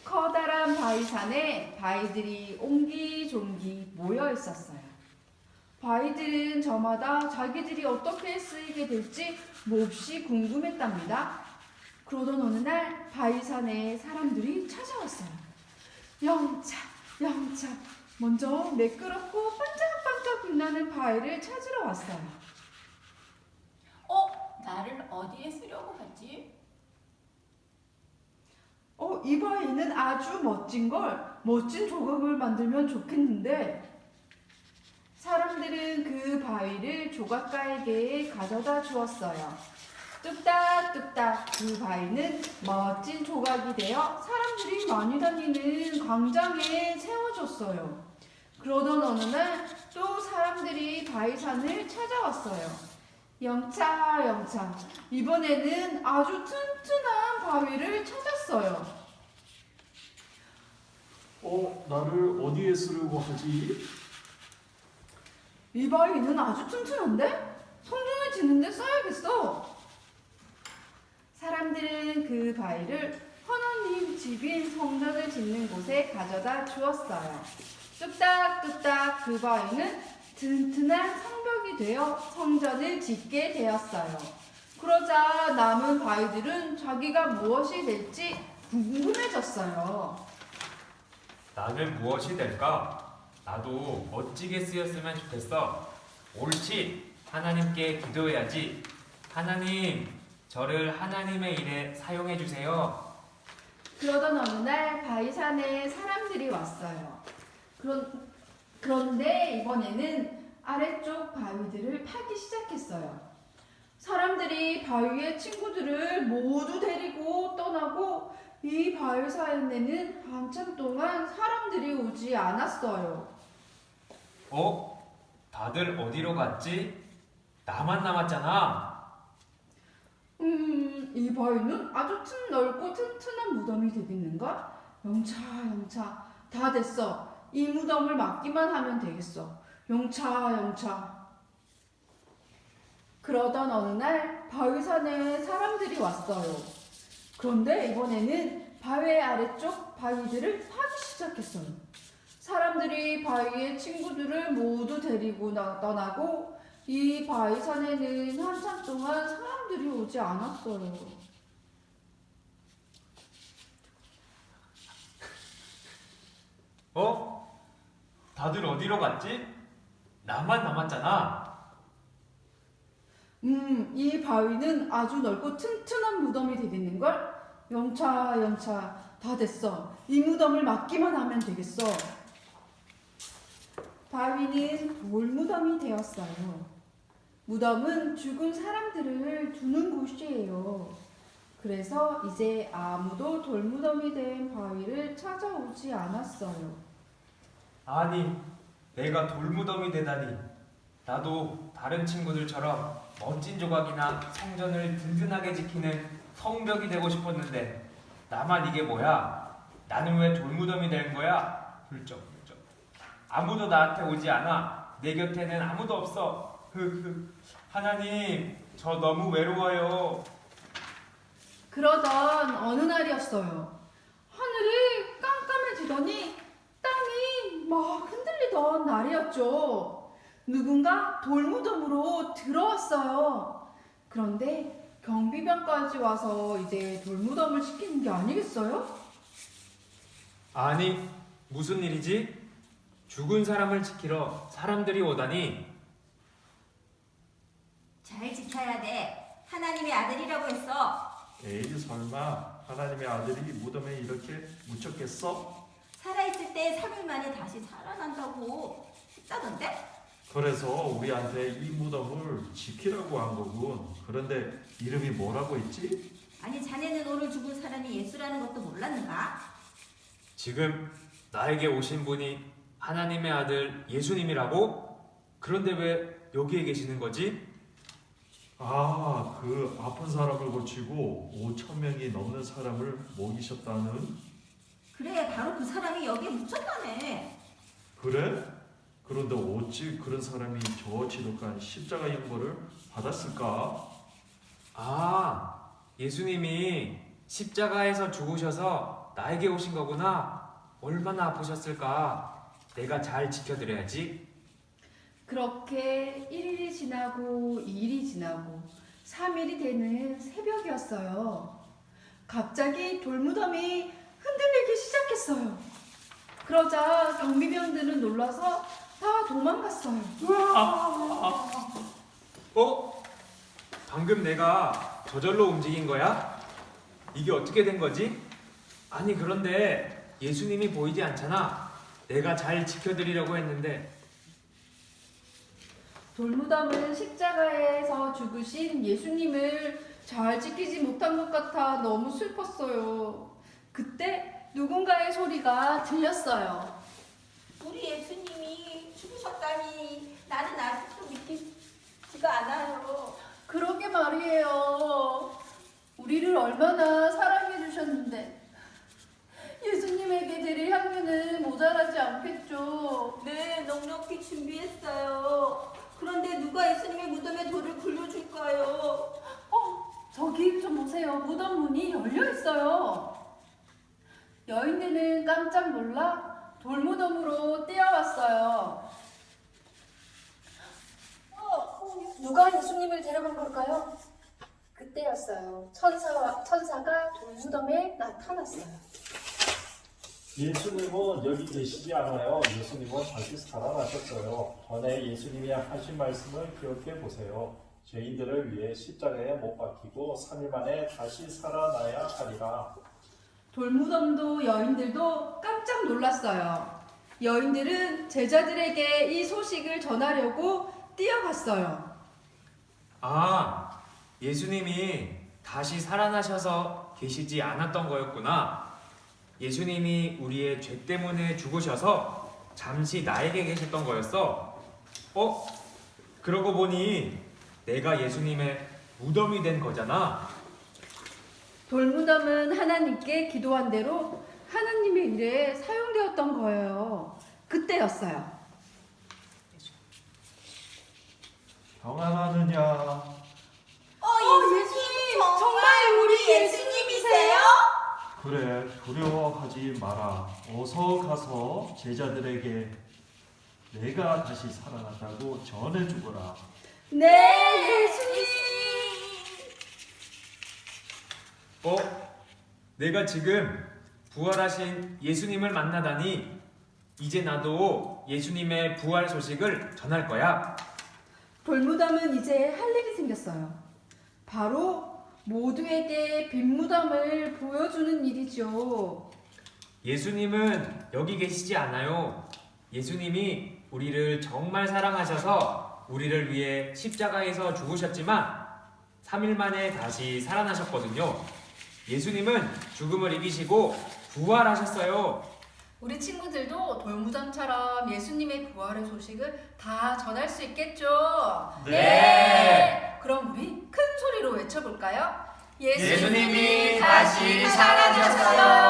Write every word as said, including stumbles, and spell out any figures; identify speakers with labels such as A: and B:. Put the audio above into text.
A: 커다란 바위산에 바위들이 옹기종기 모여 있었어요. 바위들은 저마다 자기들이 어떻게 쓰이게 될지 몹시 궁금했답니다. 그러던 어느 날 바위산에 사람들이 찾아왔어요. 영차, 영차. 먼저 매끄럽고 반짝반짝 빛나는 바위를 찾으러 왔어요.
B: 어? 나를 어디에 쓰려고 하지?
A: 어, 이 바위는 아주 멋진 걸, 멋진 조각을 만들면 좋겠는데. 사람들은 그 바위를 조각가에게 가져다 주었어요. 뚝딱뚝딱 그 바위는 멋진 조각이 되어 사람들이 많이 다니는 광장에 세워졌어요. 그러던 어느 날 또 사람들이 바위산을 찾아왔어요. 영차 영차, 이번에는 아주 튼튼한 바위를 찾았어요.
C: 어, 나를 어디에 쓰려고 하지?
A: 이 바위는 아주 튼튼한데? 성전을 짓는데 써야겠어. 사람들은 그 바위를 하나님 집인 성전을 짓는 곳에 가져다 주었어요. 뚝딱뚝딱 그 바위는 튼튼한 성벽이 되어 성전을 짓게 되었어요. 그러자 남은 바위들은 자기가 무엇이 될지 궁금해졌어요.
D: 나는 무엇이 될까? 나도 멋지게 쓰였으면 좋겠어. 옳지. 하나님께 기도해야지. 하나님, 저를 하나님의 일에 사용해 주세요.
A: 그러던 어느 날 바위산에 사람들이 왔어요. 그런, 그런데 이번에는 아래쪽 바위들을 파기 시작했어요. 사람들이 바위의 친구들을 모두 데리고 떠나고 이 바위산에는 한참 동안 사람들이 오지 않았어요.
D: 어? 다들 어디로 갔지? 나만 남았잖아.
A: 음, 이 바위는 아주 튼 넓고 튼튼한 무덤이 되겠는가? 영차, 영차, 다 됐어. 이 무덤을 막기만 하면 되겠어. 영차, 영차. 그러던 어느 날 바위산에 사람들이 왔어요. 그런데 이번에는 바위 아래쪽 바위들을 파기 시작했어요. 사람들이 바위의 친구들을 모두 데리고 나, 떠나고 이 바위산에는 한참 동안 사람들이 오지 않았어요.
D: 어? 다들 어디로 갔지? 나만 남았잖아.
A: 음, 이 바위는 아주 넓고 튼튼한 무덤이 되겠는걸? 영차, 영차, 다 됐어. 이 무덤을 막기만 하면 되겠어. 바위는 돌무덤이 되었어요. 무덤은 죽은 사람들을 두는 곳이에요. 그래서 이제 아무도 돌무덤이 된 바위를 찾아오지 않았어요.
D: 아니, 내가 돌무덤이 되다니. 나도 다른 친구들처럼 멋진 조각이나 성전을 든든하게 지키는 성벽이 되고 싶었는데 나만 이게 뭐야? 나는 왜 돌무덤이 된 거야? 훌쩍훌쩍. 아무도 나한테 오지 않아. 내 곁에는 아무도 없어. 흑흑. 하나님, 저 너무 외로워요.
A: 그러던 어느 날이었어요. 하늘이 깜깜해지더니 땅이 막 흔들리던 날이었죠. 누군가 돌무덤으로 들어왔어요. 그런데 경비병까지 와서 이제 돌무덤을 시키는 게 아니겠어요?
D: 아니, 무슨 일이지? 죽은 사람을 지키러 사람들이 오다니.
B: 잘 지켜야 돼. 하나님의 아들이라고 했어.
C: 에이, 설마 하나님의 아들이 무덤에 이렇게 묻혔겠어?
B: 살아있을 때 삼 일 만에 다시 살아난다고 했다던데?
C: 그래서 우리한테 이 무덤을 지키라고 한 거군. 그런데 이름이 뭐라고 했지?
B: 아니 자네는 오늘 죽은 사람이 예수라는 것도 몰랐는가?
D: 지금 나에게 오신 분이 하나님의 아들 예수님이라고? 그런데 왜 여기에 계시는 거지?
C: 아, 그 아픈 사람을 고치고 오천 명이 넘는 사람을 먹이셨다는?
B: 그래 바로 그 사람이 여기에 묻혔다네.
C: 그래? 그런데 어찌 그런 사람이 저 지독한 십자가 형벌을 받았을까?
D: 아, 예수님이 십자가에서 죽으셔서 나에게 오신 거구나. 얼마나 아프셨을까. 내가 잘 지켜드려야지.
A: 그렇게 일 일이 지나고 이 일이 지나고 삼 일이 되는 새벽이었어요. 갑자기 돌무덤이 흔들리기 시작했어요. 그러자 경비병들은 놀라서 다 도망갔어요.
D: 어? 방금 내가 저절로 움직인 거야? 이게 어떻게 된 거지? 아니 그런데 예수님이 보이지 않잖아. 내가 잘 지켜드리려고 했는데.
A: 돌무덤은 십자가에서 죽으신 예수님을 잘 지키지 못한 것 같아 너무 슬펐어요. 그때 누군가의 소리가 들렸어요.
B: 우리 예수님이 죽으셨다니 나는 아직도 믿기지가 않아요.
A: 그러게 말이에요. 우리를 얼마나 사랑해 주셨는데 예수님에게 드릴 향유는 모자라지 않겠죠.
B: 네, 넉넉히 준비했어요. 그런데 누가 예수님의 무덤에 돌을 굴려줄까요?
A: 어, 저기 좀 보세요. 무덤 문이 열려 있어요. 여인들은 깜짝 놀라 돌무덤으로 뛰어왔어요.
E: 어, 누가 예수님을 데려간 걸까요? 그때였어요. 천사와 천사가 돌무덤에 나타났어요.
F: 예수님은 여기 계시지 않아요. 예수님은 다시 살아나셨어요. 전에 예수님이 하신 말씀을 기억해 보세요. 죄인들을 위해 십자가에 못 박히고 삼 일 만에 다시 살아나야 하리라.
A: 돌무덤도 여인들도 깜짝 놀랐어요. 여인들은 제자들에게 이 소식을 전하려고 뛰어갔어요.
D: 아, 예수님이 다시 살아나셔서 계시지 않았던 거였구나. 예수님이 우리의 죄 때문에 죽으셔서 잠시 나에게 계셨던 거였어. 어? 그러고 보니 내가 예수님의 무덤이 된 거잖아.
A: 돌무덤은 하나님께 기도한 대로 하나님의 일에 사용되었던 거예요. 그때였어요.
C: 평안하느냐?
B: 어, 예수님! 정말 우리 예수님이세요?
C: 그래, 두려워하지 마라. 어서 가서 제자들에게 내가 다시 살아났다고 전해주거라.
A: 네, 예수님!
D: 어? 내가 지금 부활하신 예수님을 만나다니 이제 나도 예수님의 부활 소식을 전할 거야.
A: 돌무덤은 이제 할 일이 생겼어요. 바로 모두에게 빈무덤을 보여주는 일이죠.
D: 예수님은 여기 계시지 않아요. 예수님이 우리를 정말 사랑하셔서 우리를 위해 십자가에서 죽으셨지만 삼 일 만에 다시 살아나셨거든요. 예수님은 죽음을 이기시고 부활하셨어요.
A: 우리 친구들도 돌무덤처럼 예수님의 부활의 소식을 다 전할 수 있겠죠?
C: 네.
A: 그럼 우리 큰 소리로 외쳐볼까요?
D: 예수님이 다시 살아나셨어요.